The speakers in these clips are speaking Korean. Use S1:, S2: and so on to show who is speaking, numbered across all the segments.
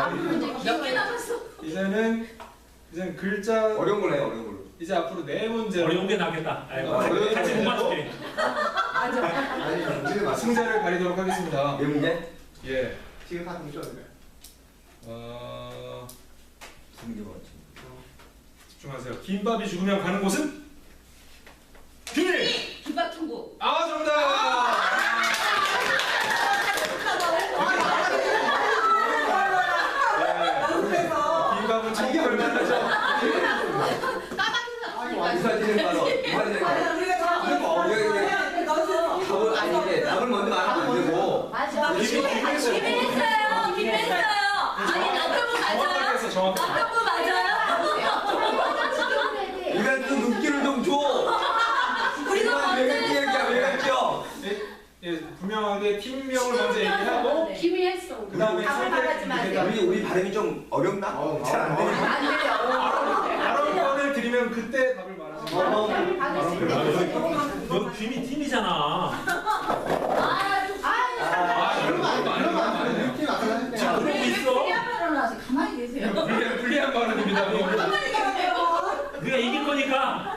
S1: 몇 개 남았어?
S2: 이제는 글자
S3: 어려운 걸로 해, 어려운 걸로.
S2: 이제 앞으로 네 문제로
S4: 어려운 게 낫겠다. 아이고,
S2: 어려운
S4: 같이 못
S2: 문제로
S4: 맞출게.
S3: 아니, 문제 맞
S2: 승자를 가리도록 하겠습니다.
S3: 몇 문제?
S2: 예.
S3: 지금 다 동시에 어디 두 문제 맞지.
S2: 집중하세요. 김밥이 죽으면 가는 곳은? 비밀!
S1: 김밥 천국.
S2: 아, 정답! 김밥은 천국을 만나죠.
S3: 이사지는 바로 이사지는 바로. 답을 아닌데 답을 먼저 말하면 안 되고.
S1: 맞아.
S2: 김했어요.
S1: 김했어요. 아니 남편분 맞아요?
S2: 정확하게 정확하게.
S1: 남편분 맞아요?
S3: 이건 좀 눈길을 좀 줘.
S1: 우리가
S3: 왜 그렇게 얘기야? 왜 그랬죠?
S2: 예, 분명하게 팀명을 먼저 얘기하고
S1: 김이 했어.
S2: 그 다음에
S3: 우리 발음이 좀 어렵나? 잘 안 되니까.
S1: 안 돼요.
S2: 발언권을 드리면 그때 답을 말하시면
S4: 너 김이 팀이잖아.
S2: 이런 거
S4: 지금 그러고 있어.
S1: 가만히 계세요.
S2: 불리한 발언입니다.
S1: 가만히 계세요.
S4: 네가 이길 거니까.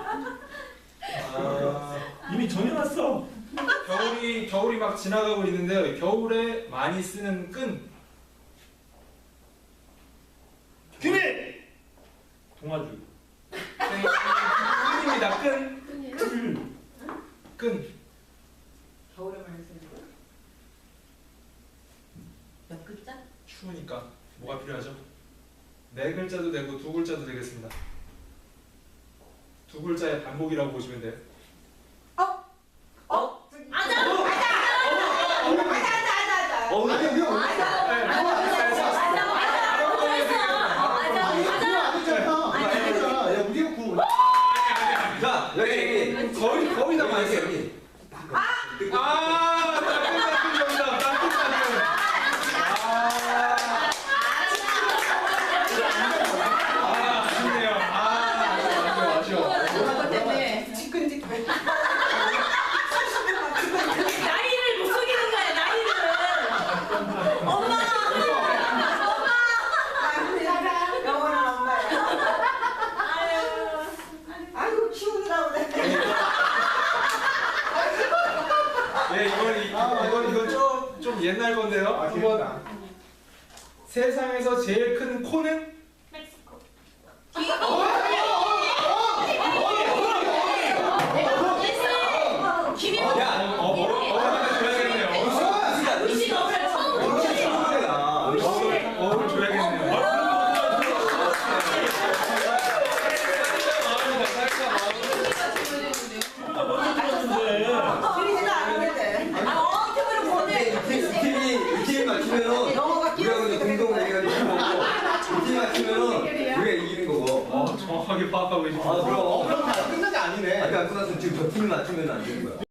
S4: 이미 정해놨어.
S2: 겨울이 막 지나가고 있는데요. 겨울에 많이 쓰는 끈.
S4: 김이! 동아줄.
S2: 끈입니다. 끈. 끈.
S1: 겨울에 많이 쓰는 거? 몇 글자?
S2: 추우니까 뭐가 필요하죠? 네 글자도 되고 두 글자도 되겠습니다. 두 글자의 반복이라고 보시면 돼요.
S3: 자, 여기
S2: 거의 다 맞았어요.
S3: 여기.
S2: 따끈따끈 정답. 따끈따끈. 아쉽네요. 아쉬워.
S1: 나이를 못 속이는 거야, 나이를. 엄마!
S5: 영원한 엄마야. 아이고 키우느라 그래.
S2: 예, 이건 좀 옛날 건데요. 한번 세상에서 제일 큰 코는?
S1: 김이
S3: 야,
S2: 어를 줘야겠네요. 어를 줘야겠네요.
S4: 누가 먼저 들었는데.
S5: 들리지도 않는데.
S3: 이 팀이 맞추면은
S5: 영어가
S3: 우리가 이제 공동을 해가지고 이 팀이 맞추면은 우리가 이기는 거고.
S2: 정확하게 파악하고 계십니다.
S3: 그럼.
S6: 그럼 다 끝난 게 아니네.
S3: 아니 안 끝났으면 지금 저 팀이 맞추면 안 되는 거야.